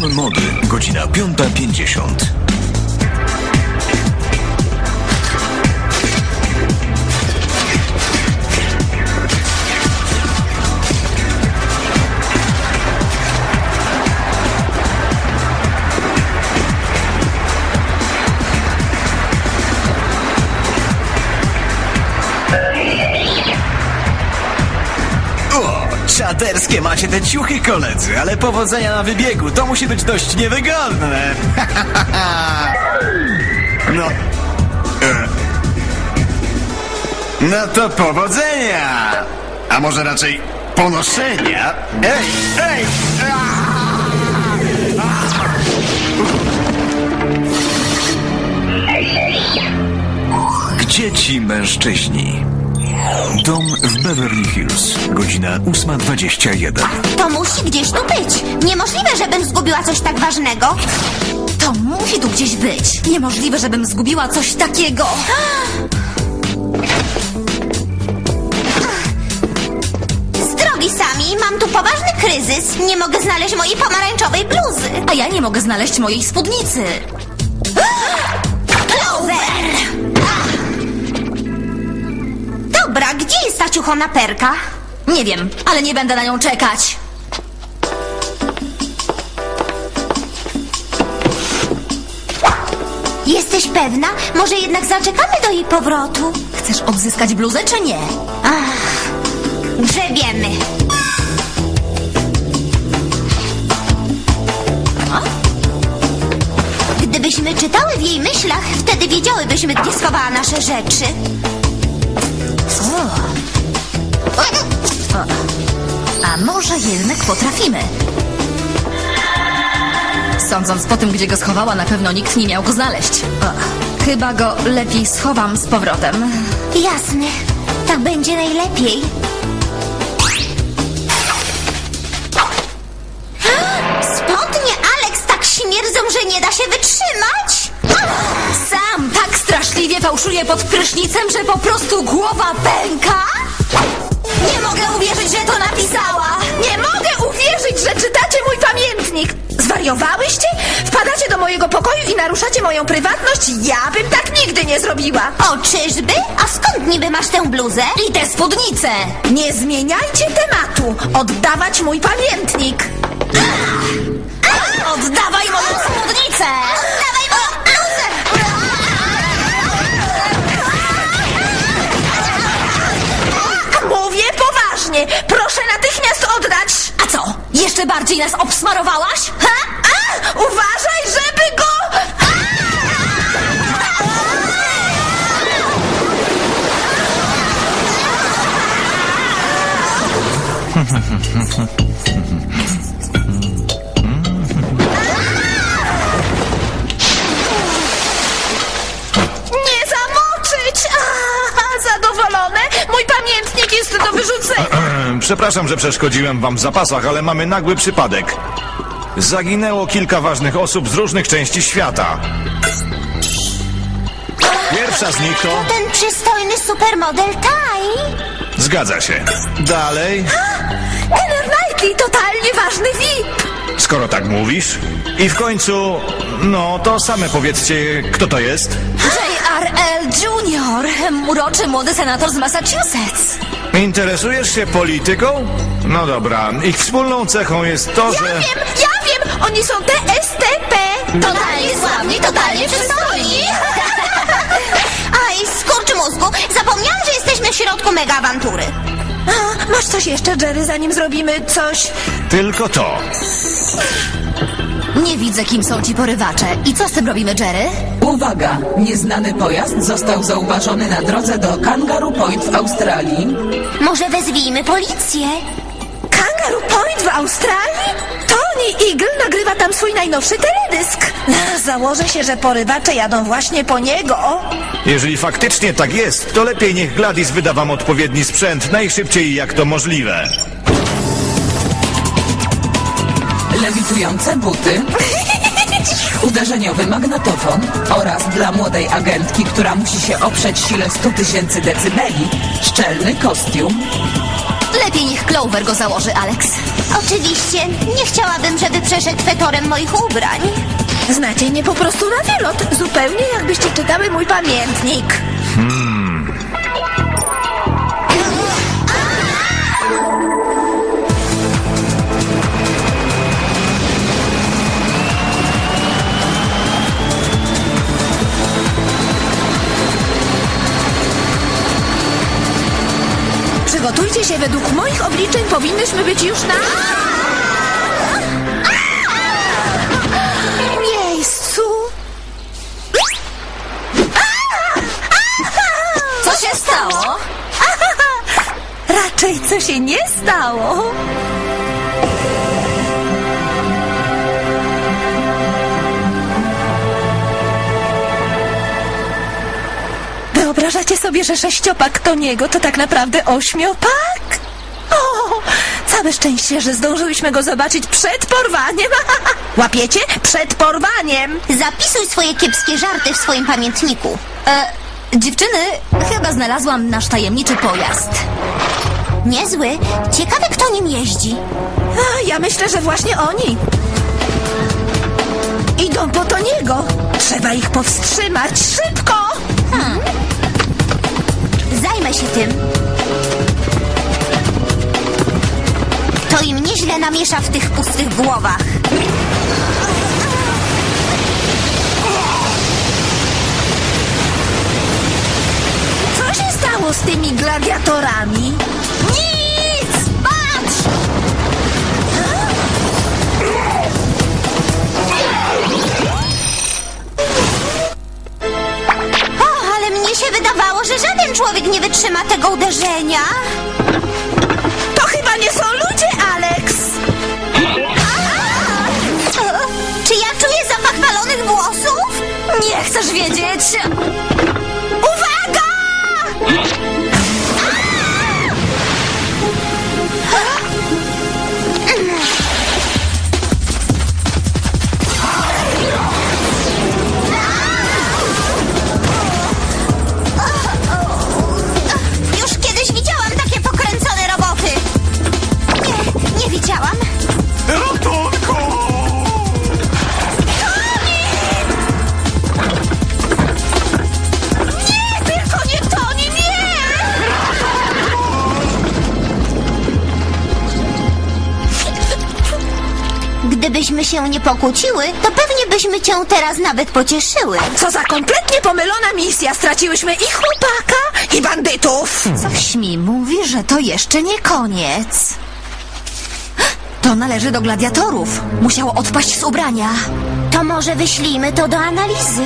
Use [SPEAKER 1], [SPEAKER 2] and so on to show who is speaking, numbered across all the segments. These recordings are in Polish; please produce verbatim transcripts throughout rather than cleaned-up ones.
[SPEAKER 1] Dom Mody, godzina piąta pięćdziesiąt.
[SPEAKER 2] Czaderskie macie te ciuchy, koledzy, ale powodzenia na wybiegu. To musi być dość niewygodne. No. E. No to powodzenia. A może raczej ponoszenia? Ej, ej!
[SPEAKER 1] Gdzie ci mężczyźni? Dom w Beverly Hills, godzina ósma dwadzieścia jeden.
[SPEAKER 3] To musi gdzieś tu być. Niemożliwe, żebym zgubiła coś tak ważnego.
[SPEAKER 4] To musi tu gdzieś być. Niemożliwe, żebym zgubiła coś takiego.
[SPEAKER 3] Z drogi Sami, mam tu poważny kryzys. Nie mogę znaleźć mojej pomarańczowej bluzy.
[SPEAKER 4] A ja nie mogę znaleźć mojej spódnicy.
[SPEAKER 3] Clover! Dobra, gdzie jest ta ciuchona perka?
[SPEAKER 4] Nie wiem, ale nie będę na nią czekać.
[SPEAKER 3] Jesteś pewna? Może jednak zaczekamy do jej powrotu?
[SPEAKER 4] Chcesz odzyskać bluzę, czy nie?
[SPEAKER 3] Ach, grzebiemy. Gdybyśmy czytały w jej myślach, wtedy wiedziałybyśmy, gdzie schowała nasze rzeczy.
[SPEAKER 4] O. O. A może jednak potrafimy? Sądząc po tym, gdzie go schowała, na pewno nikt nie miał go znaleźć. O. Chyba go lepiej schowam z powrotem.
[SPEAKER 3] Jasne, tak będzie najlepiej. Spodnie Alex tak śmierdzą, że nie da się wytrzymać.
[SPEAKER 4] Sam tak straszliwie fałszuje pod prysznicem, że po prostu głowa pęka? Nie mogę uwierzyć, że to napisała!
[SPEAKER 5] Nie mogę uwierzyć, że czytacie mój pamiętnik! Zwariowałyście? Wpadacie do mojego pokoju i naruszacie moją prywatność? Ja bym tak nigdy nie zrobiła!
[SPEAKER 3] O, czyżby? A skąd niby masz tę bluzę?
[SPEAKER 4] I te spódnice!
[SPEAKER 5] Nie zmieniajcie tematu! Oddawać mój pamiętnik!
[SPEAKER 4] Oddawaj moją spódnicę!
[SPEAKER 3] Dawaj moją bluzę!
[SPEAKER 5] Mówię poważnie! Proszę natychmiast oddać!
[SPEAKER 4] A co? Jeszcze bardziej nas obsmarowałaś?
[SPEAKER 5] Ha? A! Uważaj, żeby go... Nie zamoczyć! A, zadowolone? Mój pamiętnik jest do wyrzucenia!
[SPEAKER 6] Przepraszam, że przeszkodziłem wam w zapasach, ale mamy nagły przypadek. Zaginęło kilka ważnych osób z różnych części świata. Pierwsza z nich to...
[SPEAKER 3] Ten przystojny supermodel Taj.
[SPEAKER 6] Zgadza się. Dalej,
[SPEAKER 5] Kenner Knightley, totalnie ważny V I P!
[SPEAKER 6] skoro tak mówisz. I w końcu, no to same powiedzcie, kto to jest?
[SPEAKER 4] J R L Junior, uroczy młody senator z Massachusetts.
[SPEAKER 6] Interesujesz się polityką? No dobra, ich wspólną cechą jest to,
[SPEAKER 5] Ja
[SPEAKER 6] że...
[SPEAKER 5] wiem, ja wiem! Oni są T S T P!
[SPEAKER 4] Totalnie sławni, totalnie przystojni.
[SPEAKER 3] Aj, skurcz mózgu, zapomniałam, że jesteśmy w środku mega awantury.
[SPEAKER 5] A, masz coś jeszcze, Jerry, zanim zrobimy coś?
[SPEAKER 6] Tylko to.
[SPEAKER 4] Nie widzę, kim są ci porywacze. I co z tym robimy, Jerry?
[SPEAKER 7] Uwaga! Nieznany pojazd został zauważony na drodze do Kangaroo Point w Australii.
[SPEAKER 3] Może wezwijmy policję?
[SPEAKER 5] Kangaroo Point w Australii? Tony Eagle nagrywa tam swój najnowszy teledysk. Założę się, że porywacze jadą właśnie po niego.
[SPEAKER 6] Jeżeli faktycznie tak jest, to lepiej niech Gladys wyda wam odpowiedni sprzęt najszybciej jak to możliwe.
[SPEAKER 7] Lewitujące buty, uderzeniowy magnetofon oraz dla młodej agentki, która musi się oprzeć sile stu tysięcy decybeli, szczelny kostium.
[SPEAKER 4] Lepiej niech Clover go założy, Alex.
[SPEAKER 3] Oczywiście, nie chciałabym, żeby przeszedł fetorem moich ubrań.
[SPEAKER 5] Znacie mnie po prostu na wylot. Zupełnie jakbyście czytały mój pamiętnik. Przygotujcie się, według moich obliczeń powinnyśmy być już na... miejscu.
[SPEAKER 4] Co się stało?
[SPEAKER 5] Raczej co się nie stało. Wyobrażacie sobie, że sześciopak Toniego to tak naprawdę ośmiopak? O, całe szczęście, że zdążyłyśmy go zobaczyć przed porwaniem. Łapiecie? Przed porwaniem.
[SPEAKER 3] Zapisuj swoje kiepskie żarty w swoim pamiętniku.
[SPEAKER 4] E, dziewczyny, chyba znalazłam nasz tajemniczy pojazd.
[SPEAKER 3] Niezły. Ciekawe, kto nim jeździ.
[SPEAKER 5] A, ja myślę, że właśnie oni. Idą po Toniego. Trzeba ich powstrzymać. Szybko!
[SPEAKER 3] Zajmę się tym. To im nieźle namiesza w tych pustych głowach.
[SPEAKER 5] Co się stało z tymi gladiatorami?
[SPEAKER 3] Nic! Patrz! O, ale mnie się wydawało, że żaden człowiek nie wytrzyma tego uderzenia.
[SPEAKER 5] To chyba nie są ludzie, Alex!
[SPEAKER 3] O, czy ja czuję zapach palonych włosów?
[SPEAKER 4] Nie chcesz wiedzieć?
[SPEAKER 3] Uwaga! Już kiedyś widziałam takie pokręcone roboty. Nie, nie widziałam.
[SPEAKER 2] Ratunku!
[SPEAKER 5] Tylko nie Toni, nie!
[SPEAKER 3] Gdybyśmy się nie pokłóciły, to pewnie byśmy cię teraz nawet pocieszyły.
[SPEAKER 5] Co za kompletnie pomylona misja. Straciłyśmy i chłopaka, i bandytów.
[SPEAKER 4] Coś mi mówi, że to jeszcze nie koniec. To należy do gladiatorów. Musiało odpaść z ubrania.
[SPEAKER 3] To może wyślijmy to do analizy.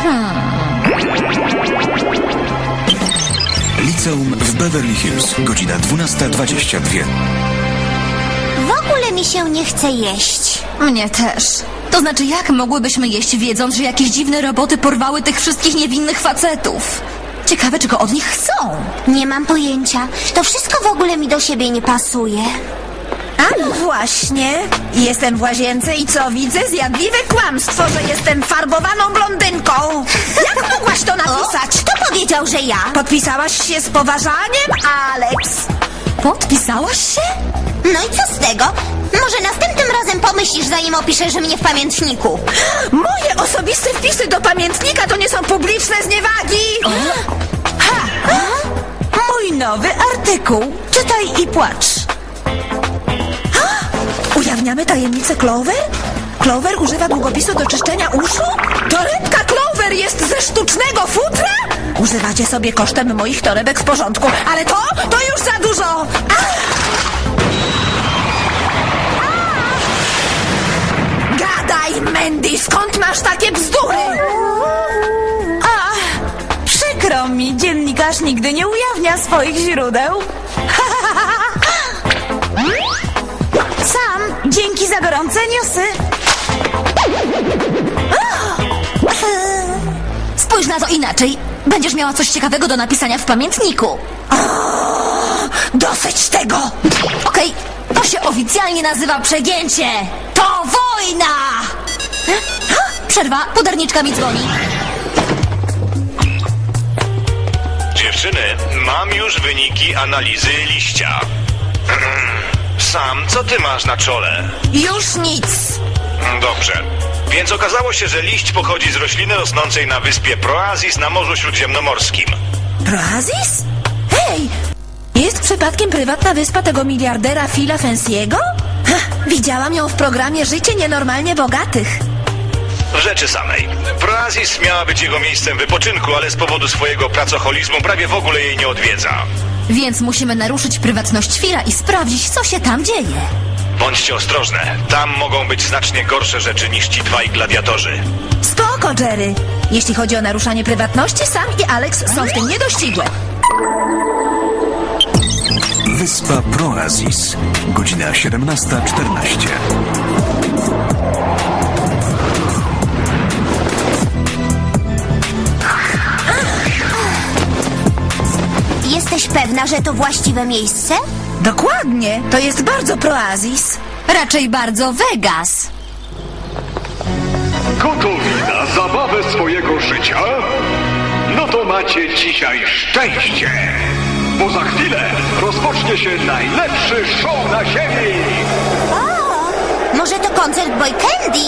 [SPEAKER 1] Liceum w Beverly Hills, godzina dwunasta dwadzieścia dwa.
[SPEAKER 3] W ogóle mi się nie chce jeść.
[SPEAKER 4] Mnie też. To znaczy, jak mogłybyśmy jeść, wiedząc, że jakieś dziwne roboty porwały tych wszystkich niewinnych facetów? Ciekawe, czego od nich chcą.
[SPEAKER 3] Nie mam pojęcia. To wszystko w ogóle mi do siebie nie pasuje.
[SPEAKER 5] A no właśnie. Jestem w łazience i co widzę? Zjadliwe kłamstwo, że jestem farbowaną blondynką. Jak mogłaś to napisać?
[SPEAKER 3] Kto powiedział, że ja?
[SPEAKER 5] Podpisałaś się z poważaniem, Alex?
[SPEAKER 4] Podpisałaś się?
[SPEAKER 3] No i co z tego? Może następnym razem pomyślisz, zanim opiszesz mnie w pamiętniku.
[SPEAKER 5] Moje osobiste wpisy do pamiętnika to nie są publiczne zniewagi. Ha! Mój nowy artykuł. Czytaj i płacz. Ujawniamy tajemnicę Clover? Clover używa długopisu do czyszczenia uszu? Torebka Clover jest ze sztucznego futra? Używacie sobie kosztem moich torebek w porządku, ale to, to już za dużo! Ach! Gadaj, Mandy, skąd masz takie bzdury?
[SPEAKER 8] Przykro mi, dziennikarz nigdy nie ujawnia swoich źródeł. Sam, dzięki za gorące newsy.
[SPEAKER 4] Spójrz na to inaczej. Będziesz miała coś ciekawego do napisania w pamiętniku.
[SPEAKER 5] Dosyć tego!
[SPEAKER 4] Okej, to się oficjalnie nazywa przegięcie. To wojna! Przerwa, podarniczka mi dzwoni.
[SPEAKER 6] Dziewczyny, mam już wyniki analizy liścia. Sam, co ty masz na czole?
[SPEAKER 5] Już nic.
[SPEAKER 6] Dobrze. Więc okazało się, że liść pochodzi z rośliny rosnącej na wyspie Proazis na Morzu Śródziemnomorskim.
[SPEAKER 5] Proazis? Hej! Jest przypadkiem prywatna wyspa tego miliardera Phila Fancy'ego? Ha, widziałam ją w programie Życie Nienormalnie Bogatych.
[SPEAKER 6] W rzeczy samej. Proazis miała być jego miejscem wypoczynku, ale z powodu swojego pracoholizmu prawie w ogóle jej nie odwiedza.
[SPEAKER 4] Więc musimy naruszyć prywatność Phila i sprawdzić, co się tam dzieje.
[SPEAKER 6] Bądźcie ostrożne. Tam mogą być znacznie gorsze rzeczy niż ci dwaj gladiatorzy.
[SPEAKER 5] Spoko, Jerry. Jeśli chodzi o naruszanie prywatności, Sam i Alex są w tym niedościgłe.
[SPEAKER 1] Wyspa Proazis. Godzina siedemnasta czternaście.
[SPEAKER 3] Jesteś pewna, że to właściwe miejsce?
[SPEAKER 5] Dokładnie. To jest bardzo Proazis.
[SPEAKER 4] Raczej bardzo Vegas.
[SPEAKER 9] Gotowi na zabawę swojego życia? No to macie dzisiaj szczęście! Bo za chwilę rozpocznie się najlepszy show na ziemi!
[SPEAKER 3] O, może to koncert Boy Candy?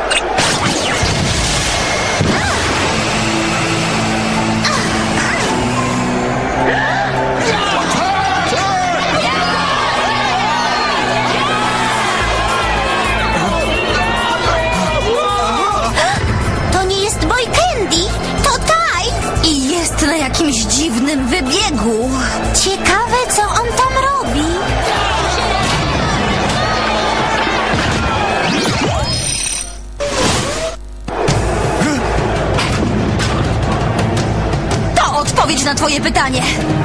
[SPEAKER 3] To nie jest Boy Candy, to Taj!
[SPEAKER 4] I jest na jakimś dziwnym wybiegu.
[SPEAKER 3] Ciekawe, co on tam robi.
[SPEAKER 4] To odpowiedź na twoje pytanie.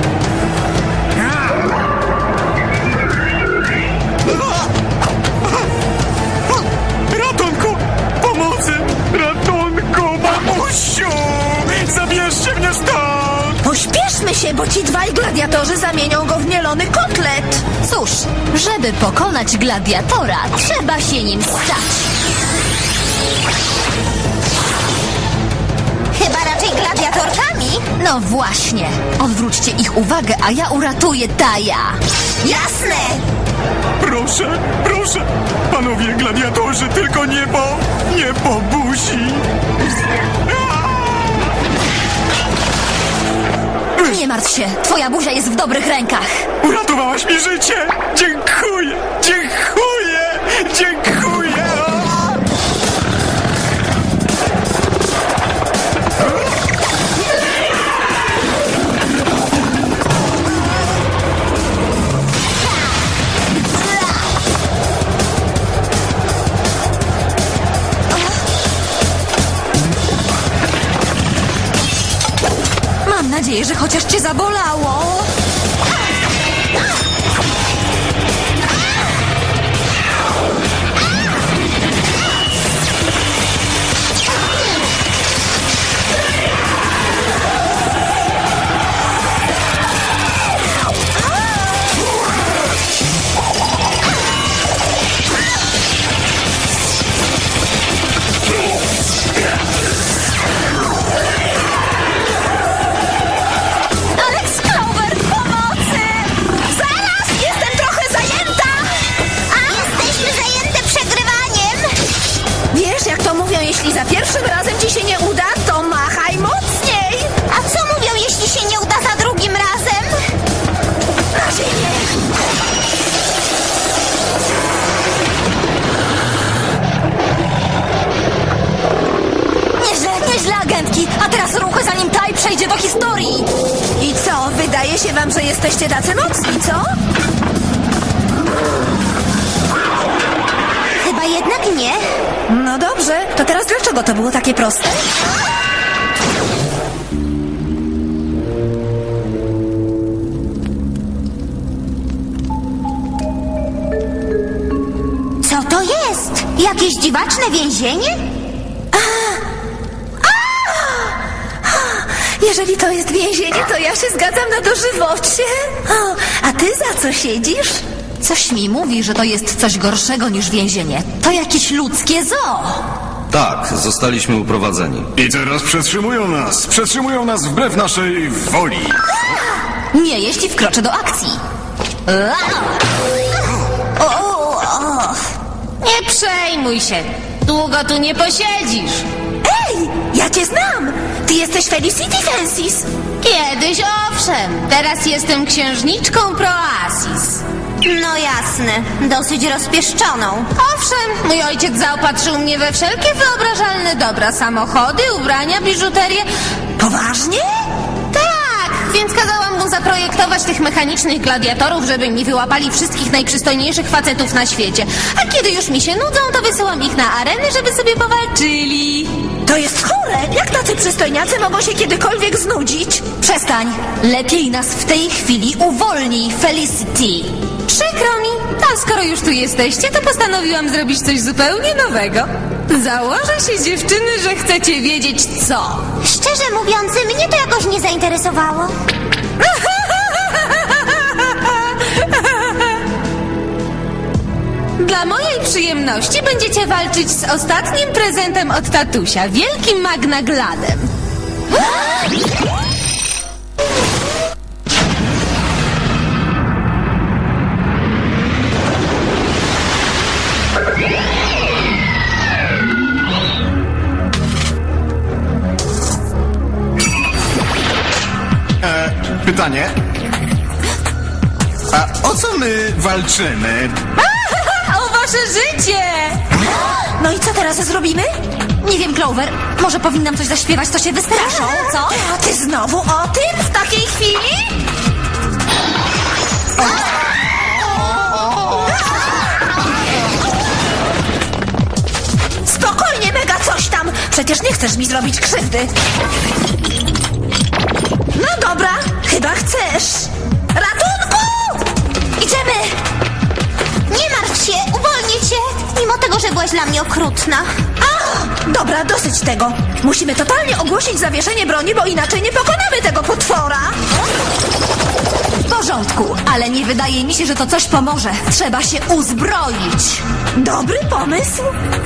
[SPEAKER 2] Ratunku! Pomocy! Ratunku, mamusiu! Zabierzcie mnie stąd!
[SPEAKER 5] Pośpieszmy się, bo ci dwaj gladiatorzy zamienią go w mielony kotlet.
[SPEAKER 4] Cóż, żeby pokonać gladiatora, trzeba się nim stać.
[SPEAKER 3] Chyba raczej gladiatorkami.
[SPEAKER 4] No właśnie. Odwróćcie ich uwagę, a ja uratuję Taja.
[SPEAKER 3] Jasne!
[SPEAKER 2] Proszę, proszę! Panowie gladiatorzy, tylko nie po... nie po buzi!
[SPEAKER 4] Nie martw się, twoja buzia jest w dobrych rękach.
[SPEAKER 2] Uratowałaś mi życie! Dziękuję! Dziękuję! Dziękuję!
[SPEAKER 4] Mam nadzieję, że chociaż cię zabolało. Alex Clover, pomocy!
[SPEAKER 5] Zaraz! Jestem trochę zajęta!
[SPEAKER 3] A jesteśmy zajęte przegrywaniem.
[SPEAKER 5] Wiesz, jak to mówią, jeśli za pierwszym razem ci się nie uda, to machaj mocniej!
[SPEAKER 3] A co mówią, jeśli się nie uda za drugim razem?
[SPEAKER 5] Na ziemię!
[SPEAKER 4] Nieźle, nieźle, agentki. A teraz ruchy, zanim Taj przejdzie do historii.
[SPEAKER 5] I co, wydaje się wam, że jesteście tacy mocni, co?
[SPEAKER 3] Chyba jednak nie.
[SPEAKER 5] No dobrze, to teraz dlaczego to było takie proste?
[SPEAKER 3] Co to jest? Jakieś dziwaczne więzienie?
[SPEAKER 5] Jeżeli to jest więzienie, to ja się zgadzam na dożywocie. O, a ty za co siedzisz?
[SPEAKER 4] Coś mi mówi, że to jest coś gorszego niż więzienie. To jakieś ludzkie zoo.
[SPEAKER 10] Tak, zostaliśmy uprowadzeni.
[SPEAKER 2] I teraz przetrzymują nas. Przetrzymują nas wbrew naszej woli.
[SPEAKER 4] Nie, jeśli wkroczę do akcji. Nie przejmuj się. Długo tu nie posiedzisz.
[SPEAKER 5] Ej, ja cię znam! Ty jesteś Felicity Francis.
[SPEAKER 4] Kiedyś owszem. Teraz jestem księżniczką Proasis.
[SPEAKER 3] No jasne, dosyć rozpieszczoną.
[SPEAKER 4] Owszem, mój ojciec zaopatrzył mnie we wszelkie wyobrażalne dobra. Samochody, ubrania, biżuterię.
[SPEAKER 5] Poważnie?
[SPEAKER 4] Tak, więc kazałam mu zaprojektować tych mechanicznych gladiatorów, żeby mi wyłapali wszystkich najprzystojniejszych facetów na świecie. A kiedy już mi się nudzą, to wysyłam ich na areny, żeby sobie powalczyli.
[SPEAKER 5] To jest chore! Jak tacy przystojniacy mogą się kiedykolwiek znudzić?
[SPEAKER 4] Przestań. Lepiej nas w tej chwili uwolnij, Felicity. Przykro mi, a skoro już tu jesteście, to postanowiłam zrobić coś zupełnie nowego. Założę się, dziewczyny, że chcecie wiedzieć co.
[SPEAKER 3] Szczerze mówiąc, mnie to jakoś nie zainteresowało.
[SPEAKER 4] Dla mojej przyjemności będziecie walczyć z ostatnim prezentem od tatusia, wielkim magnagladem.
[SPEAKER 2] Pytanie? A o co my walczymy?
[SPEAKER 4] O wasze życie!
[SPEAKER 5] No i co teraz zrobimy?
[SPEAKER 4] Nie wiem, Clover, może powinnam coś zaśpiewać, to się wystraszą, co?
[SPEAKER 5] A ty znowu o tym? W takiej chwili? Spokojnie, Mega, coś tam! Przecież nie chcesz mi zrobić krzywdy. No dobra, chyba chcesz. Ratunku! Idziemy!
[SPEAKER 3] Nie martw się, uwolnię cię, mimo tego, że byłaś dla mnie okrutna.
[SPEAKER 5] A, dobra, dosyć tego. Musimy totalnie ogłosić zawieszenie broni, bo inaczej nie pokonamy tego potwora.
[SPEAKER 4] W porządku, ale nie wydaje mi się, że to coś pomoże. Trzeba się uzbroić.
[SPEAKER 5] Dobry pomysł.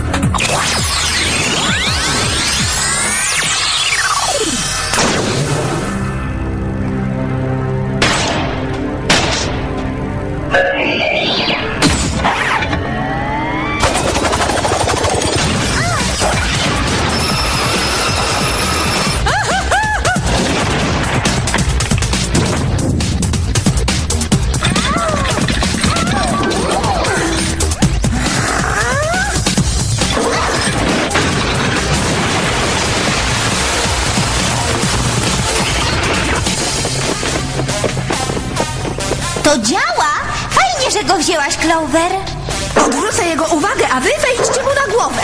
[SPEAKER 3] To działa! Fajnie, że go wzięłaś, Clover.
[SPEAKER 5] Odwrócę jego uwagę, a wy wejdźcie mu na głowę.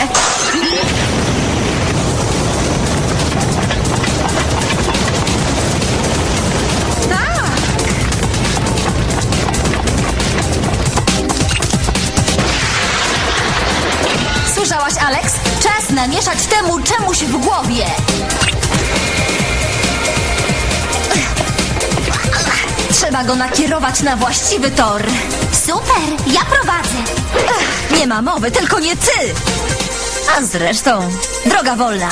[SPEAKER 4] Słyszałaś, Alex? Czas namieszać temu czemuś w głowie. Trzeba go nakierować na właściwy tor.
[SPEAKER 3] Super, ja prowadzę.
[SPEAKER 4] Ech, nie ma mowy, tylko nie ty. A zresztą, droga wolna.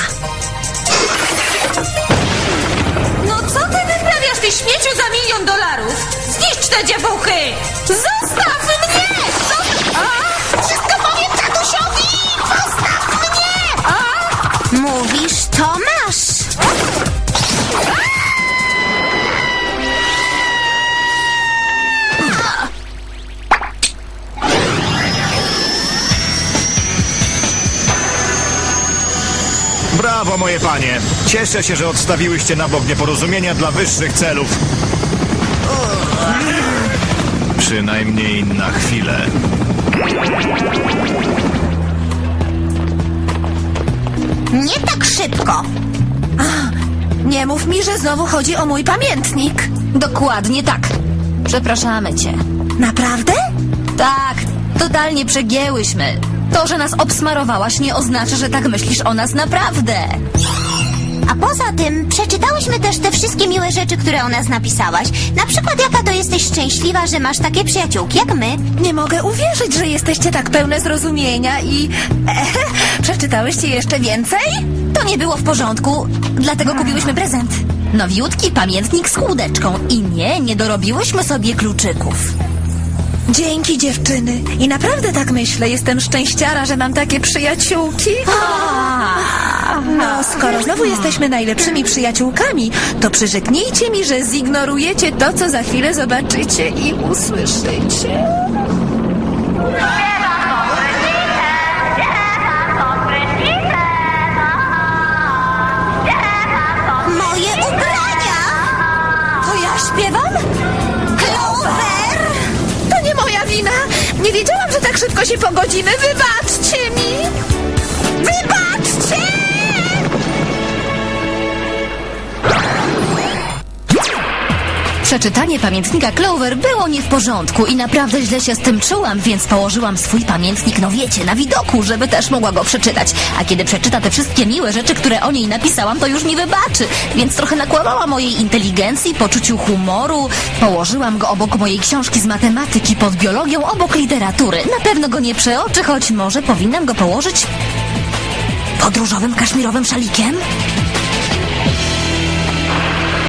[SPEAKER 4] No co ty wyprawiasz, ty śmieciu za milion dolarów? Zniszcz te dziewuchy! Zostaw mnie! Zostaw... A!
[SPEAKER 3] Wszystko powiem tatusiowi! Zostaw mnie!
[SPEAKER 4] A!
[SPEAKER 3] Mówisz, to masz.
[SPEAKER 6] Brawo, moje panie. Cieszę się, że odstawiłyście na bok nieporozumienia dla wyższych celów. Przynajmniej na chwilę.
[SPEAKER 3] Nie tak szybko.
[SPEAKER 5] Nie mów mi, że znowu chodzi o mój pamiętnik.
[SPEAKER 4] Dokładnie tak. Przepraszamy cię.
[SPEAKER 5] Naprawdę?
[SPEAKER 4] Tak, totalnie przegięłyśmy. To, że nas obsmarowałaś, nie oznacza, że tak myślisz o nas naprawdę.
[SPEAKER 3] A poza tym przeczytałyśmy też te wszystkie miłe rzeczy, które o nas napisałaś. Na przykład jaka to jesteś szczęśliwa, że masz takie przyjaciółki jak my.
[SPEAKER 5] Nie mogę uwierzyć, że jesteście tak pełne zrozumienia i... E, przeczytałyście jeszcze więcej?
[SPEAKER 4] To nie było w porządku, dlatego kupiłyśmy prezent. Nowiutki pamiętnik z chłódeczką. I nie, nie dorobiłyśmy sobie kluczyków.
[SPEAKER 5] Dzięki, dziewczyny. I naprawdę tak myślę. Jestem szczęściara, że mam takie przyjaciółki. No, skoro znowu jesteśmy najlepszymi przyjaciółkami, to przyrzeknijcie mi, że zignorujecie to, co za chwilę zobaczycie i usłyszycie.
[SPEAKER 3] Moje ubrania!
[SPEAKER 5] To ja śpiewam?
[SPEAKER 3] Clover!
[SPEAKER 5] To nie moja wina. Nie wiedziałam, że tak szybko się pogodzimy. Wybaczcie mi. Wybaczcie!
[SPEAKER 4] Przeczytanie pamiętnika Clover było nie w porządku i naprawdę źle się z tym czułam, więc położyłam swój pamiętnik, no wiecie, na widoku, żeby też mogła go przeczytać. A kiedy przeczyta te wszystkie miłe rzeczy, które o niej napisałam, to już mi wybaczy. Więc trochę nakłamała mojej inteligencji, poczuciu humoru. Położyłam go obok mojej książki z matematyki, pod biologią, obok literatury. Na pewno go nie przeoczy, choć może powinnam go położyć pod różowym kaszmirowym szalikiem?